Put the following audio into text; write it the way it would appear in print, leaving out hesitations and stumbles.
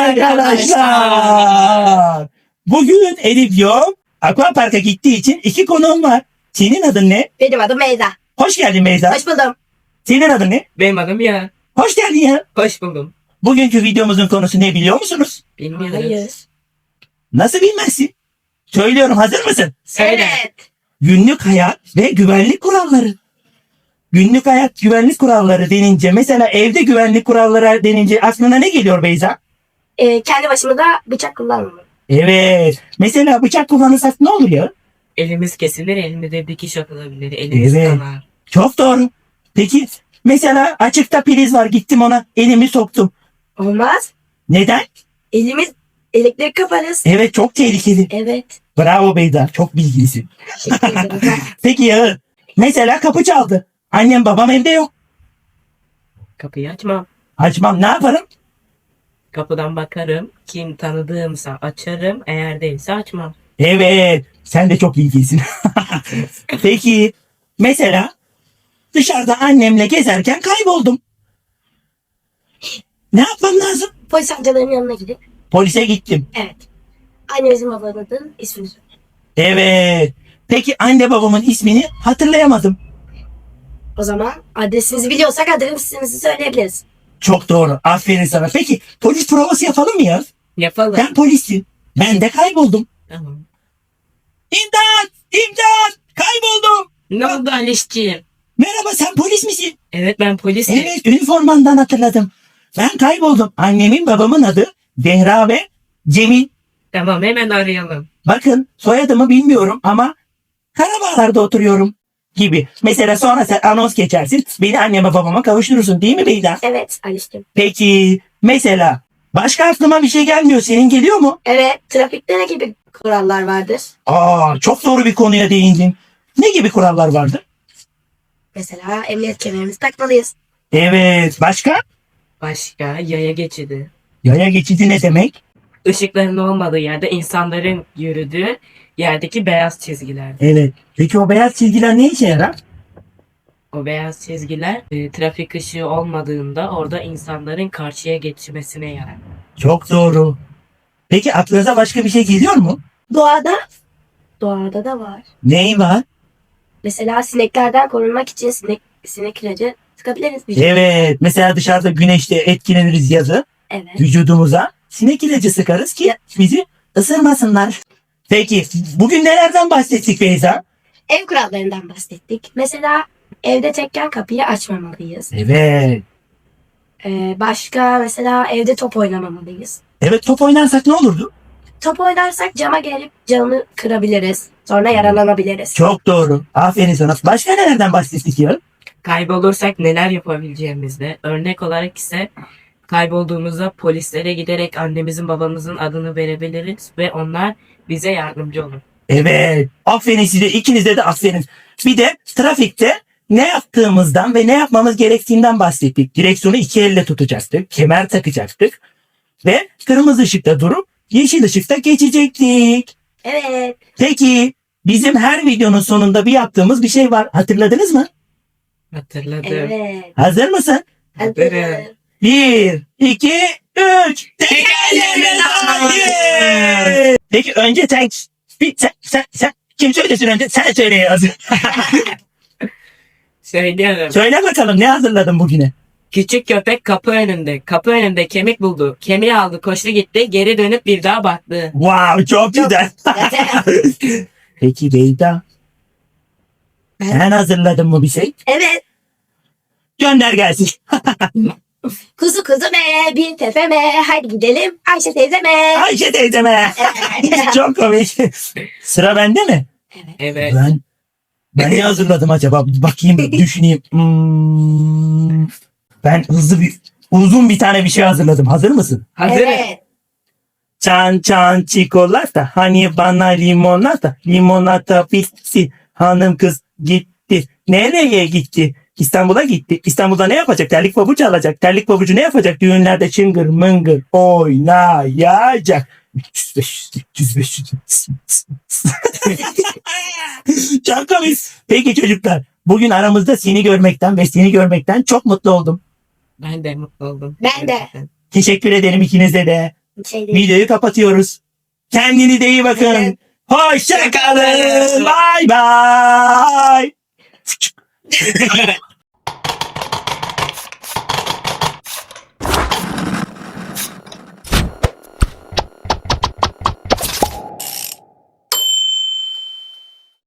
arkadaşlar. Bugün Elif yok. Aquapark'a gittiği için 2 konuğum var. Senin adın ne? Benim adım Beyza. Hoş geldin Beyza. Hoş buldum. Senin adın ne? Benim adım ya. Hoş geldin ya. Hoş buldum. Bugünkü videomuzun konusu ne biliyor musunuz? Bilmiyoruz. Hayır. Nasıl bilmezsin? Söylüyorum, hazır mısın? Söyle. Evet. Günlük hayat ve güvenlik kuralları. Günlük hayat güvenlik kuralları denince, mesela evde güvenlik kuralları denince aklına ne geliyor Beyza? Kendi başıma da bıçak kullanmam. Evet. Mesela bıçak kullanırsak ne olur ya? Elimiz kesilir, elimizde dikiş atılabilir. Elimiz Evet. kanar. Çok doğru. Peki mesela açıkta priz var, gittim ona elimi soktum. Olmaz. Neden? Elimiz elektrik kaparız. Evet, çok tehlikeli. Evet. Bravo Beyza, çok bilgilisin. Teşekkür ederim. Peki ya mesela kapı çaldı. Annem babam evde yok. Kapıyı açmam. Açmam, ne yaparım? Kapıdan bakarım. Kim tanıdığımsa açarım. Eğer değilse açmam. Evet, sen de çok bilgilisin. Peki mesela dışarıda annemle gezerken kayboldum. Ne yapmam lazım? Polis amcaların yanına gidip. Polise gittim. Evet. Annemizin babanın ismini söyle. Evet. Peki anne babamın ismini hatırlayamadım. O zaman adresinizi biliyorsak adresinizi söyleyebiliriz. Çok doğru. Aferin sana. Peki polis provası yapalım mı ya? Yapalım. Ben polisim. Ben de kayboldum. Tamam. İmdat! İmdat! Kayboldum. Ne oldu Alişciğim? Merhaba, sen polis misin? Evet, ben polisim. Evet, üniformandan hatırladım. Ben kayboldum. Annemin babamın adı Zehra ve Cemil. Tamam, hemen arayalım. Bakın soyadımı bilmiyorum ama Karabağlar'da oturuyorum gibi. Mesela sonra sen anons geçersin. Beni anneme babama kavuşturursun, değil mi Beyza? Evet Aliştim. Peki mesela başka aklıma bir şey gelmiyor. Senin geliyor mu? Evet. Trafikte ne gibi kurallar vardır? Çok doğru bir konuya değindin. Ne gibi kurallar vardı? Mesela emniyet kemerimizi takmalıyız. Evet. Başka? Başka yaya geçidi. Yaya geçidi ne demek? Işıkların olmadığı yerde insanların yürüdüğü yerdeki beyaz çizgiler. Evet. Peki o beyaz çizgiler ne işe yarar? O beyaz çizgiler trafik ışığı olmadığında orada insanların karşıya geçmesine yarar. Çok doğru. Peki aklınıza başka bir şey geliyor mu? Doğada da var. Ney var? Mesela sineklerden korunmak için sinek ilacı sıkabiliriz. Evet. Mesela dışarıda güneşte etkileniriz yazı. Evet. Vücudumuza sinek ilacı sıkarız ki bizi ısırmasınlar. Peki bugün nelerden bahsettik Beyza? Ev kurallarından bahsettik. Mesela evde tekken kapıyı açmamalıyız. Evet. Başka mesela evde top oynamamalıyız. Evet, top oynarsak ne olurdu? Top oynarsak cama gelip camı kırabiliriz. Sonra yaralanabiliriz. Çok doğru. Aferin sana. Başka nelerden bahsettik ya? Kaybolursak neler yapabileceğimizde, örnek olarak ise kaybolduğumuzda polislere giderek annemizin babamızın adını verebiliriz ve onlar bize yardımcı olur. Evet. Aferin size. İkinize de aferin. Bir de trafikte ne yaptığımızdan ve ne yapmamız gerektiğinden bahsettik. Direksiyonu 2 elle tutacaktık. Kemer takacaktık. Ve kırmızı ışıkta durup yeşil ışıkta geçecektik. Evet. Peki bizim her videonun sonunda bir yaptığımız bir şey var. Hatırladınız mı? Hatırladım. Evet. Hazır mısın? Hazırım. 1, 2, 3. Tekerleğine hayır. Peki önce sen kim söylesin önce? Sen söyle yazın. Söylüyorum. Söyle bakalım, ne hazırladın bugüne? Küçük köpek kapı önünde. Kapı önünde kemik buldu. Kemiği aldı, koştu gitti. Geri dönüp bir daha baktı. Wow, çok güzel. Peki Beyda, sen hazırladın mı bir şey? Evet. Gönder gelsin. Kuzu me, bin tepeme, hadi gidelim Ayşe teyzeme. Ayşe teyzeme. Çok komik. Sıra bende mi? Evet. Ben ne hazırladım acaba? Bakayım, düşüneyim. Ben uzun bir tane bir şey hazırladım. Hazır mısın? Hazırım. Evet. Çan çan çikolata, hani bana limonata, limonata bitti, hanım kız gitti. Nereye gitti? İstanbul'a gitti. İstanbul'da ne yapacak? Terlik pabucu alacak. Terlik pabucu ne yapacak? Düğünlerde çıngır mıngır oynayacak. 300 500 300 500. Çok komik. Peki çocuklar, bugün aramızda seni görmekten ve seni görmekten çok mutlu oldum. Ben de mutlu oldum. Ben de. Teşekkür ederim ikinize de. Şey değil. Videoyu kapatıyoruz. Kendinize iyi bakın. Evet. Hoşça kalın. Bay bay.